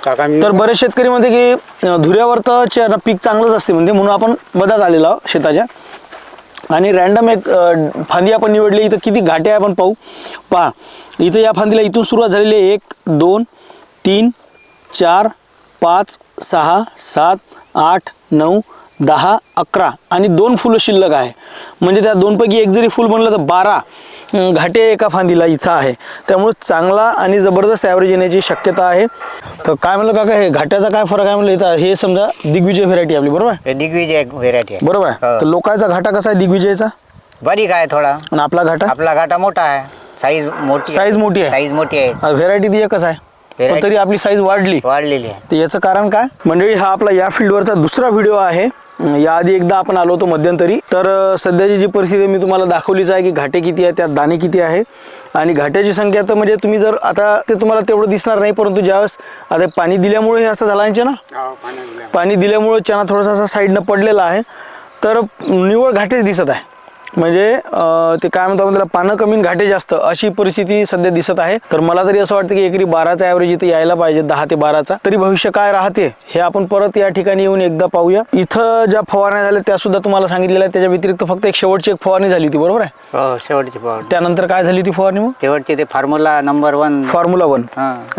तर बरेच शेतकरी म्हणते की धुऱ्यावर तर पीक चांगलंच असते म्हणते, म्हणून आपण मधात आलेलो आहोत शेताच्या. आणि रॅन्डम एक फांदी आपण निवडली. इथं किती घाटे आहे आपण पाहू. पहा इथं या फांदीला इथून सुरुवात झालेली आहे 1 2 3 4 5 6 7 8 9 10 11 आणि 2 फुलं शिल्लक आहे. म्हणजे त्या 2 पैकी एक जरी फुल बनलं तर 12 घाटे एका फांदीला इथं आहे. त्यामुळे चांगला आणि जबरदस्त ॲव्हरेज येण्याची शक्यता आहे. तर काय म्हणलं काका, हे घाट्याचा काय फरक आहे म्हणलं इथं. हे समजा दिग्विजय व्हेरायटी आपली, बरोबर आहे? दिग्विजय व्हेरायटी आहे. बरोबर आहे. तर लोकांचा घाटा कसा आहे दिग्विजयचा? बारीक आहे थोडा. आणि आपला घाटा? आपला घाटा मोठा आहे. साईज मोठी मोठी आहे. साईज मोठी आहे. व्हेरायटी ती एकच आहे, पण तरी आपली साईज वाढलेली आहे. तर याचं कारण काय मंडळी, हा आपला या फील्डवरचा दुसरा व्हिडिओ आहे. याआधी एकदा आपण आलो होतो मध्यंतरी. तर सध्याची जी परिस्थिती मी तुम्हाला दाखवलीच आहे की घाटे किती आहे, त्यात दाणे किती आहे. आणि घाट्याची संख्या तर म्हणजे तुम्ही जर आता ते तुम्हाला तेवढं दिसणार नाही, परंतु ज्यावेळेस आता पाणी दिल्यामुळे हे असं झालं आहे ना, पाणी दिल्यामुळे चना थोडासा असा साईडनं पडलेला आहे. तर निव्वळ घाटेच दिसत आहे. म्हणजे ते काय म्हणतो आपण त्याला, पानं कमी घाटे जास्त अशी परिस्थिती सध्या दिसत आहे. तर मला तरी असं वाटतं की एकरी 12चा ॲव्हरेज इथे यायला पाहिजे, 10 ते 12चा. तरी भविष्य काय राहते हे आपण परत या ठिकाणी येऊन एकदा पाहूया. इथं ज्या फवारण्या झाल्या त्या सुद्धा तुम्हाला सांगितलेल्या आहेत. त्याच्या व्यतिरिक्त फक्त एक शेवटची एक फवारणी झाली होती, बरोबर आहे? हो, शेवटची फवारणी. त्यानंतर काय झाली ती फवारणी? मग शेवटची ते फॉर्म्युला नंबर 1 फॉर्म्युला 1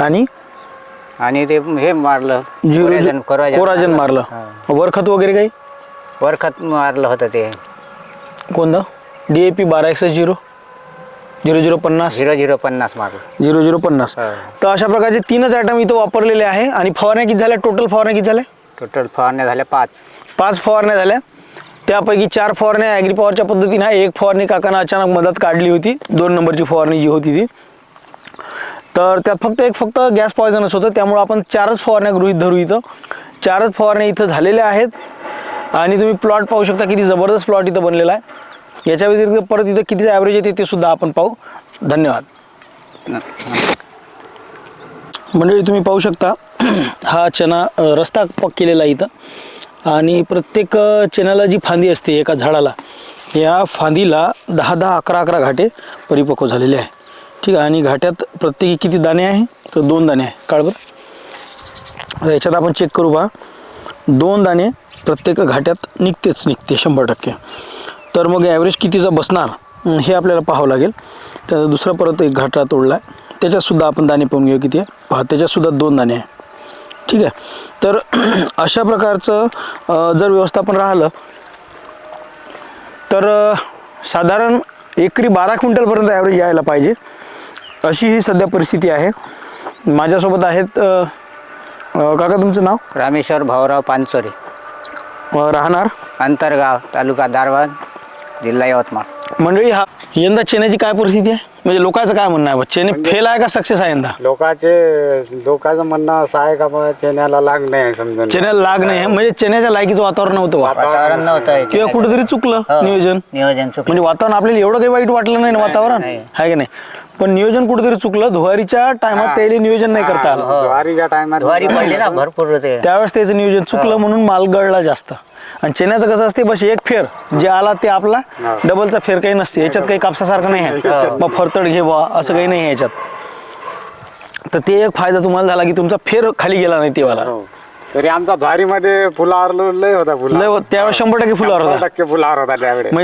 आणि ते हे मारलं, कोराजन मारलं. वरखत वगैरे काही वरखत मारलं होतं ते कोणतं? DAP 12-0 0050 0050 मारलं. 0050. तर अशा प्रकारचे 3च आयटम इथं वापरलेले आहे. आणि फवारण्या किती झाल्या? टोटल फवारण्या किती झाल्या? टोटल फवारण्या झाल्या 5 फवारण्या झाल्या. त्यापैकी 4 फवारण्या ॲग्रीपॉवरच्या पद्धतीने आहे. एक फवारणी काकांना अचानक मदत काढली होती, 2 नंबरची फवारणी जी होती ती. तर त्यात फक्त गॅस पॉयझनच होतं. त्यामुळं आपण 4च फवारण्या गृहीत धरू. इथं 4च फवारण्या इथं झालेल्या आहेत. आणि तुम्ही प्लॉट पाहू शकता, किती जबरदस्त प्लॉट इथं बनलेला आहे. याच्या व्यतिरिक्त परत इथं किती ॲव्हरेज येते ते सुद्धा आपण पाहू. धन्यवाद. मंडळी तुम्ही पाहू शकता हा चना रस्ता केलेला आहे इथं. आणि प्रत्येक चण्याला जी फांदी असते एका झाडाला, या फांदीला 10-10 11-11 घाटे परिपक्व झालेले आहे. ठीक आहे. आणि घाट्यात प्रत्येकी किती दाणे आहे? तर 2 दाणे आहे. काळभर याच्यात आपण चेक करू बा. 2 दाणे प्रत्येक घाट्यात निघते 100%. तर मग ॲव्हरेज कितीचा बसणार हे आपल्याला पाहावं लागेल. त्याचा दुसरा परत एक घाटा तोडला आहे, त्याच्यातसुद्धा आपण दाणे पाहून घेऊ किती आहे. पहा, त्याच्यातसुद्धा 2 दाणे आहे. ठीक आहे. तर अशा प्रकारचं जर व्यवस्थापन राहिलं तर साधारण एकरी 12 क्विंटलपर्यंत ॲव्हरेज यायला पाहिजे, अशी ही सध्या परिस्थिती आहे. माझ्यासोबत आहेत काका, तुमचं नाव? रामेश्वर भाऊराव पानचोरे, राहणार अंतरगाव, तालुका दारव्हा, जिल्हा यवतमाळ. मंडळी, हा यंदा चण्याची काय परिस्थिती आहे? म्हणजे लोकांचं काय म्हणणं आहे, चणे फेल आहे का सक्सेस आहे यंदा? लोकांचं म्हणणं असं आहे का बा चण्याला लाग नाही, समजा चण्याला लाग नाही. म्हणजे चण्याच्या लायकीचं वातावरण नव्हतं, वातावरण नव्हतं किंवा कुठेतरी चुकलं नियोजन. चुकलं. म्हणजे वातावरण आपल्याला एवढं काही वाईट वाटलं नाही ना वातावरण, आहे की नाही? पण नियोजन कुठेतरी चुकलं. धुवारीच्या टायमात त्याला नियोजन नाही करता आलं. ज्वारीच्या टायमात ज्वारी पडली ना भरपूर होते, त्यावेळेस त्याचं नियोजन चुकलं, म्हणून माल गळला जास्त. आणि चण्याचं कसं असते, बस एक फेर जे आला ते आपला, डबलचा फेर काही नसते याच्यात. काही कापसासारखं नाही आहे मग फरतड घे बा असं काही नाही आहे याच्यात. तर ते एक फायदा तुम्हाला झाला की तुमचा फेर खाली गेला नाही तेव्हा. तरी आमचा ज्वारीमध्ये फुलावर लय होता, त्यावेळेस 100% फुलावर होता. फुलावर होता त्यावेळेस.